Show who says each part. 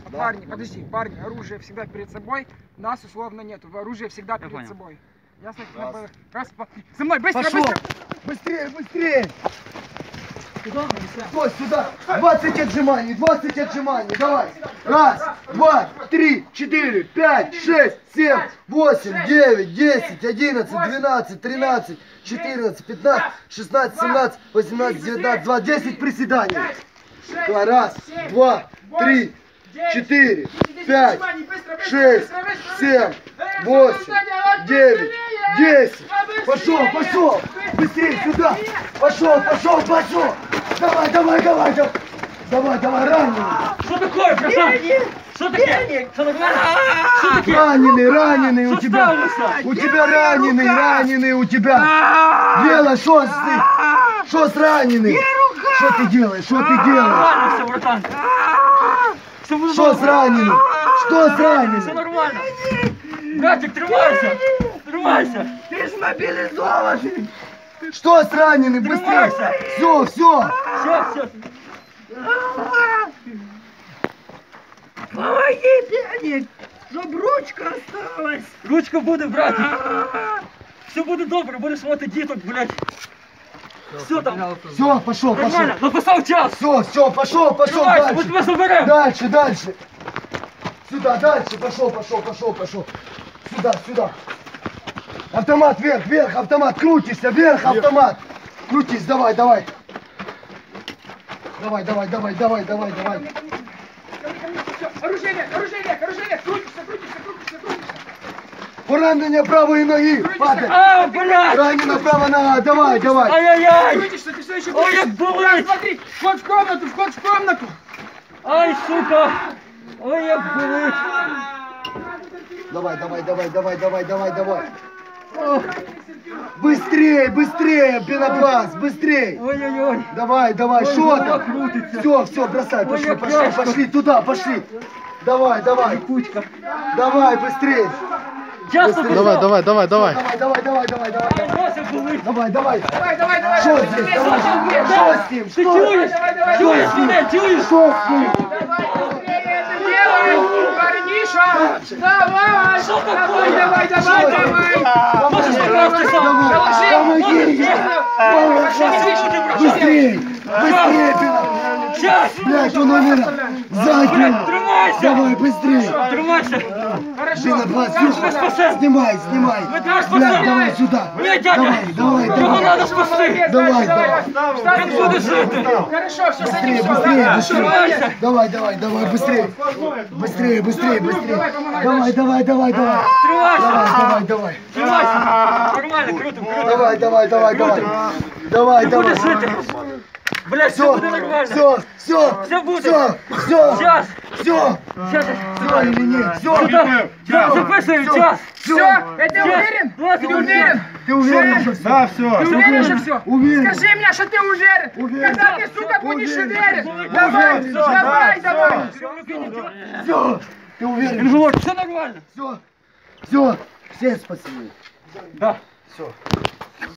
Speaker 1: Парни, подожди, парни, оружие всегда перед собой, нас условно нету, оружие всегда перед собой. Ясно? Раз, за мной, быстро, быстро!
Speaker 2: Быстрее, быстрее! Стой, сюда! 20 отжиманий, 20 отжиманий, давай! Раз, два, три, 4, 5, 6, 7, 8, 9, 10, 11, 12, 13, 14, 15, 16, 17, 18, 19, 20, 10 приседаний. Раз, два, три, 4, 5, 6, 7, 8, 9, 10. Пошел, пошел! Быстрее сюда! Пошел, пошел, пошел! Давай, давай, давай, давай! Давай, давай, раненый!
Speaker 3: Что такое, братан? Что такое? Что такое?
Speaker 2: Раненый, раненый у тебя! У тебя раненый, раненый у тебя! Делай, что ты? Что с раненым? Что ты делаешь? Что ты делаешь?
Speaker 3: Нормально все, братан.
Speaker 2: Что с раненым? Что с
Speaker 3: Все
Speaker 2: раненым?
Speaker 3: нормально. Братик, тримайся. Тримайся.
Speaker 2: Ты ж мобилизованный! Что с раненым? Быстрее!
Speaker 3: Тримайся.
Speaker 2: Все, все!
Speaker 3: Все.
Speaker 4: Помоги, пьяник, чтоб ручка осталась.
Speaker 3: Ручка буде, братик. Все буде добре, будеш мати діток, блядь. Все там.
Speaker 2: Все, пошел, пошел!
Speaker 3: Нормально, написав час.
Speaker 2: Все, пошел, пошел
Speaker 3: Тримайся, ми
Speaker 2: дальше!
Speaker 3: тебе заберемо.
Speaker 2: Дальше, дальше! Сюда, дальше! Пошел, пошел, пошел, пошел! Сюда, сюда! Автомат вверх, вверх, автомат! Крутишься, вверх, автомат! Крутись, давай, давай! Давай, давай, давай, давай, давай, давай!
Speaker 1: Оружие вверх, оружие вверх, оружие вверх, крутишься, крутишься, крутишься, крутишься.
Speaker 2: Поранение правой ноги! Падай!
Speaker 3: А, блядь.
Speaker 2: Ранена правая нога! Давай, давай!
Speaker 3: Ай-яй-яй.
Speaker 1: Крутишься, ты все еще
Speaker 3: Ой,
Speaker 1: крутишься.
Speaker 3: як болить.
Speaker 1: Смотри, вход в комнату, вход в комнату.
Speaker 3: Ай, сука. Ой, як болить.
Speaker 2: Давай, давай, давай, давай, давай, давай, давай! Быстрее, быстрее, пенопласт, быстрее!
Speaker 3: Ой-ой-ой.
Speaker 2: Давай, давай,
Speaker 3: Ой,
Speaker 2: что
Speaker 3: голова
Speaker 2: там?
Speaker 3: крутится.
Speaker 2: Все, все, бросай,
Speaker 3: Ой,
Speaker 2: пошли,
Speaker 3: як
Speaker 2: пошли,
Speaker 3: тяжко.
Speaker 2: пошли, туда, пошли. Давай, давай,
Speaker 3: Кучка.
Speaker 2: давай, быстрее.
Speaker 3: Часто
Speaker 2: Давай,
Speaker 3: давай.
Speaker 2: Давай, давай, давай, давай, давай, давай.
Speaker 3: Нося болить.
Speaker 2: Давай, давай.
Speaker 1: Давай, давай, давай.
Speaker 2: Что
Speaker 1: давай,
Speaker 2: здесь?
Speaker 1: быстрее,
Speaker 2: Давай.
Speaker 1: быстрее,
Speaker 2: Что с ним?
Speaker 3: Ты
Speaker 2: Что?
Speaker 3: чуешь? Чуешь меня? Чуешь?
Speaker 2: Что с ним?
Speaker 1: Давай, быстрее это делай, парниша. Давай,
Speaker 3: Что такое?
Speaker 1: давай, давай, давай, давай.
Speaker 3: Можешь покрасться сам?
Speaker 2: Давай, помоги. Быстрее, быстрее, пенопласт.
Speaker 3: Сейчас.
Speaker 2: Блядь, он умер. Сзади.
Speaker 3: Тримайся.
Speaker 2: Давай, быстрее.
Speaker 3: Тримайся.
Speaker 2: Пенопласт,
Speaker 3: Мы тебя спасем.
Speaker 2: снимай, снимай.
Speaker 3: Мы тебя
Speaker 2: Блядь,
Speaker 3: спасем.
Speaker 2: давай сюда.
Speaker 3: Нет, дядя.
Speaker 2: Давай, давай,
Speaker 3: Его
Speaker 2: давай.
Speaker 3: надо спасти.
Speaker 2: Давай, давай.
Speaker 3: Как будешь жить?
Speaker 1: Хорошо, все,
Speaker 2: Быстрее,
Speaker 1: садись,
Speaker 2: быстрее, быстрее.
Speaker 3: Тримайся.
Speaker 2: Давай, давай, давай, быстрее. Быстрее, быстрее, быстрее. Давай, давай, давай, давай.
Speaker 3: Тримайся.
Speaker 2: Давай, давай, давай.
Speaker 3: Тримайся. Нормально, круто, круто.
Speaker 2: Давай, давай, давай, давай. Давай,
Speaker 3: Ты
Speaker 2: давай.
Speaker 3: будешь жить. Блядь, все
Speaker 2: Все,
Speaker 3: будет нормально.
Speaker 2: все, все.
Speaker 3: Все будет.
Speaker 2: Все, все.
Speaker 3: Сейчас.
Speaker 2: Все.
Speaker 3: Сейчас.
Speaker 2: Все или нет? Все.
Speaker 3: Сюда записываем час.
Speaker 1: Все, ты уверен?
Speaker 3: Час.
Speaker 1: Ты уверен?
Speaker 2: Ты уверен, что все? Да, все.
Speaker 1: Ты уверен, что все?
Speaker 2: Уверен.
Speaker 1: Скажи мне, что ты уверен.
Speaker 2: Уверен.
Speaker 1: Когда ты, сука, будешь
Speaker 2: Уверен.
Speaker 1: уверен? Давай,
Speaker 2: Уверен.
Speaker 1: давай, давай.
Speaker 2: Все. Ты уверен?
Speaker 3: Инженер, все нормально.
Speaker 2: Все. Все. Все спасибо.
Speaker 3: Да.
Speaker 2: Все.